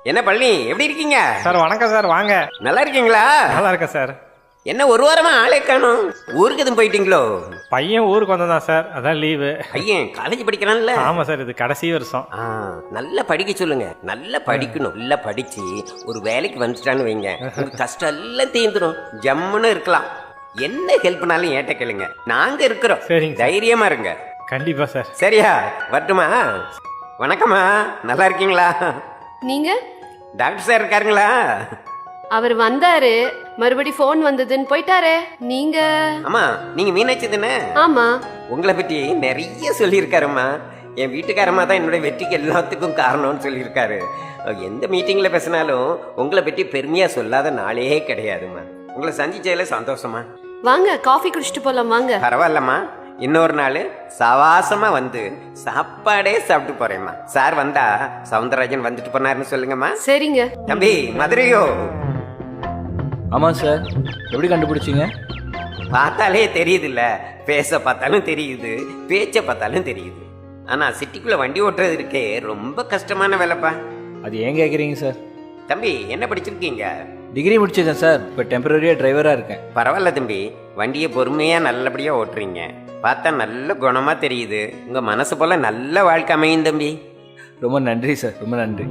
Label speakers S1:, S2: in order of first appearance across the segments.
S1: என்ன பழனி, எப்படி இருக்கீங்க?
S2: சார் வணக்கம் சார், வாங்க.
S1: நல்லா இருக்கீங்களா?
S2: நல்லா இருக்கேன் சார்.
S1: என்ன ஒரு வாரமா ஆளே காணும்? ஊருக்கு எதுவும் போயிட்டீங்களோ?
S2: பையன் ஊருக்கு வந்தான் சார், அதான் லீவு.
S1: பையன் காலேஜ் படிக்கிறான்ல?
S2: ஆமாம் சார், இது கடைசி வருஷம்.
S1: நல்லா படிக்க சொல்லுங்க. நல்லா படிக்கணும். நல்லா படிச்சு ஒரு வேலைக்கு வந்துட்டான்னு வைங்க, உங்க கஷ்டம் எல்லாம் தீர்ந்துடும். ஜம்முன்னு இருக்கலாம். என்ன ஹெல்ப்னாலும் ஏட்ட கேளுங்க, நாங்க இருக்கிறோம்.
S2: சரிங்க.
S1: தைரியமா இருங்க.
S2: கண்டிப்பா சார்.
S1: சரியா? வரட்டுமா? வணக்கம்மா, நல்லா இருக்கீங்களா?
S3: நீங்க?
S1: Doctor sir இருக்காருங்களா?
S3: அவர் வந்தாரு, மறுபடி போன் வந்ததுன்னு போயிட்டாரே. நீங்க?
S1: ஆமா, நீங்க மீனாட்சி தானே?
S3: ஆமா.
S1: உங்களை பற்றி நிறைய சொல்லியிருக்காருமா. என் வீட்டுக்காரமா தான் என்னுடைய வெற்றிக்கு எல்லாத்துக்கும் காரணம்னு சொல்லியிருக்காரு. எந்த மீட்டிங்ல பேசினாலும் உங்களை பற்றி பெருமையா சொல்லாத நாளே கிடையாதுமா. உங்களை சந்திச்சதுல சந்தோஷமா.
S3: வாங்க, காஃபி குடிச்சிட்டு போலாம் வாங்க.
S1: பரவாயில்லம்மா, இன்னொரு நாள் சவாசமா வந்து சாப்பாடே சாப்பிட்டு போறேம்மா. சார் வந்தா சவுந்தரராஜன் வந்துட்டு போனாருன்னு சொல்லுங்கம்மா.
S3: சரிங்க.
S1: தம்பி மதுரையோ?
S4: ஆமாம் சார். எப்படி கண்டுபிடிச்சிங்க?
S1: பார்த்தாலே தெரியுது இல்ல, பேச பார்த்தாலும் தெரியுது, பேச்ச பார்த்தாலும் தெரியுது. ஆனா சிட்டிக்குள்ள வண்டி ஓட்டுறது இருக்கே ரொம்ப கஷ்டமான வேலைப்பா.
S4: அது ஏன் கேட்குறீங்க சார்?
S1: தம்பி என்ன படிச்சிருக்கீங்க?
S4: டிகிரி முடிச்சிருக்கேன் சார். இப்போ டெம்பரரியாக டிரைவராக இருக்கேன்.
S1: பரவாயில்ல தம்பி, வண்டியை பொறுமையா நல்லபடியா ஓட்டுறீங்க. பார்த்தா நல்ல குணமா தெரியுது. உங்க மனசு போல நல்ல வாழ்க்கை அமையும் தம்பி.
S4: ரொம்ப நன்றி சார், ரொம்ப நன்றி.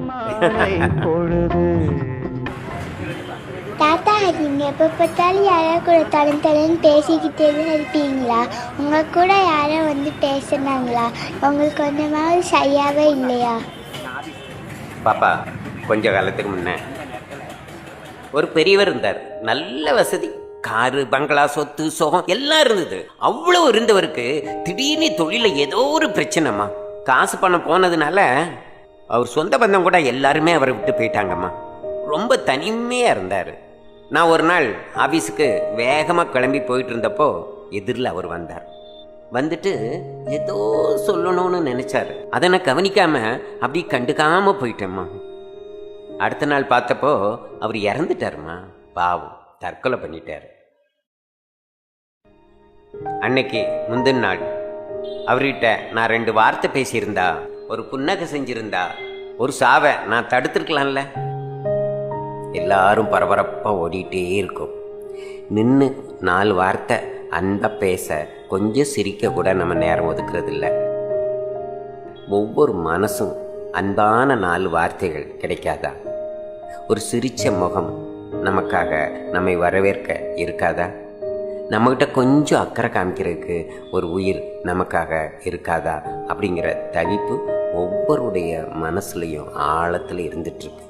S5: தாத்தா, நீங்கள் எப்போ பார்த்தாலும் யாரோ கூட தலைன்னு பேசிக்கிட்டே தான் இருப்பீங்களா? உங்கள் கூட யாரோ வந்து பேசுனாங்களா? உங்களுக்கு கொஞ்சமாவது சரியாகவே இல்லையா?
S1: பாப்பா, கொஞ்ச காலத்துக்கு முன்ன ஒரு பெரியவர் இருந்தார். நல்ல வசதி, காரு, பங்களா, சொத்து, சோகம் எல்லாம் இருந்தது. அவ்வளவு இருந்தவருக்கு திடீர்னு தொழில ஏதோ ஒரு பிரச்சனைமா. காசு பணம் போனதுனால அவர் சொந்த பந்தம் கூட எல்லாருமே அவரை விட்டு போயிட்டாங்கம்மா. ரொம்ப தனிமையா இருந்தாரு. நான் ஒரு நாள் ஆபீஸுக்கு வேகமா கிளம்பி போயிட்டு இருந்தப்போ எதிரில் அவர் வந்தார். வந்துட்டு ஏதோ சொல்லணும்னு நினைச்சாரு. அதை நான் கவனிக்காம அப்படி கண்டுக்காம போயிட்டேம்மா. அடுத்த நாள் பார்த்தப்போ அவர் இறந்துட்டாருமா. பாவம், தற்கொலை பண்ணிட்டாரு. அன்னைக்கு முந்தின நாள் அவர்கிட்ட நான் 2 வார்த்தை பேசியிருந்தா, ஒரு புன்னகை செஞ்சிருந்தா, ஒரு சாவை நான் தடுத்துருக்கலாம்ல. எல்லாரும் பரபரப்பா ஓடிட்டே இருக்கும். நின்று 4 வார்த்தை அன்பா பேச, கொஞ்சம் சிரிக்க கூட நம்ம நேரம் ஒதுக்குறது இல்லை. ஒவ்வொரு மனசும் அன்பான 4 வார்த்தைகள் கிடைக்காதா? ஒரு சிரிச்ச முகம் நமக்காக நம்மை வரவேற்க இருக்காதா? நம்மகிட்ட கொஞ்சம் அக்கறை காமிக்கிறதுக்கு ஒரு உயிர் நமக்காக இருக்காதா? அப்படிங்கிற தவிப்பு ஒவ்வொருடைய மனசுலையும் ஆழத்தில் இருந்துட்டு இருக்கு.